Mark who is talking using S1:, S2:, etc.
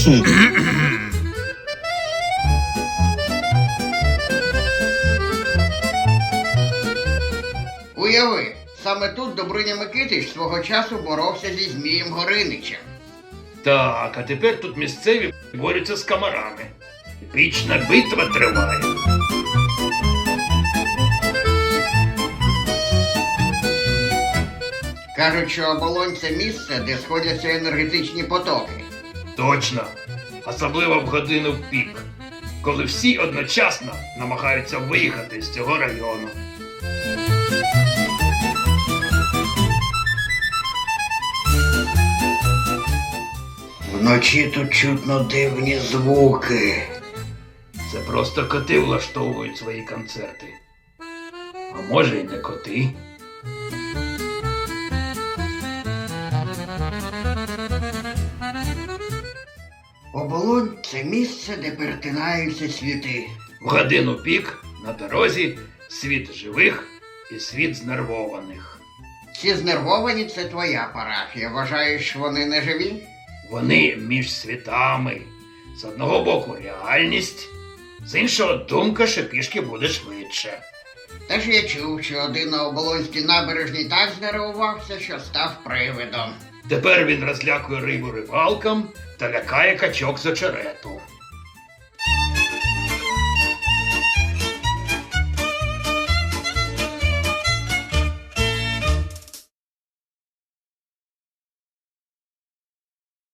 S1: Уяви, саме тут Добриня Микитич свого часу боровся зі Змієм Гориничем.
S2: Так, а тепер тут місцеві борються з комарами. Вічна битва триває.
S1: Кажуть, що Оболонь – це місце, де сходяться енергетичні потоки.
S2: Точно. Особливо в годину в пік, коли всі одночасно намагаються виїхати з цього району.
S1: Вночі тут чутно дивні звуки.
S2: Це просто коти влаштовують свої концерти. А може й не коти.
S1: Оболонь – це місце, де перетинаються світи.
S2: В годину пік на дорозі світ живих і світ знервованих.
S1: Ці знервовані – це твоя парафія. Вважаєш, що вони не живі?
S2: Вони між світами. З одного боку реальність, з іншого думка, що пішки буде швидше.
S1: Теж я чув, що один на Оболонській набережній так знервувався, що став привидом.
S2: Тепер він розлякує рибу рибалкам та лякає качок з очерету.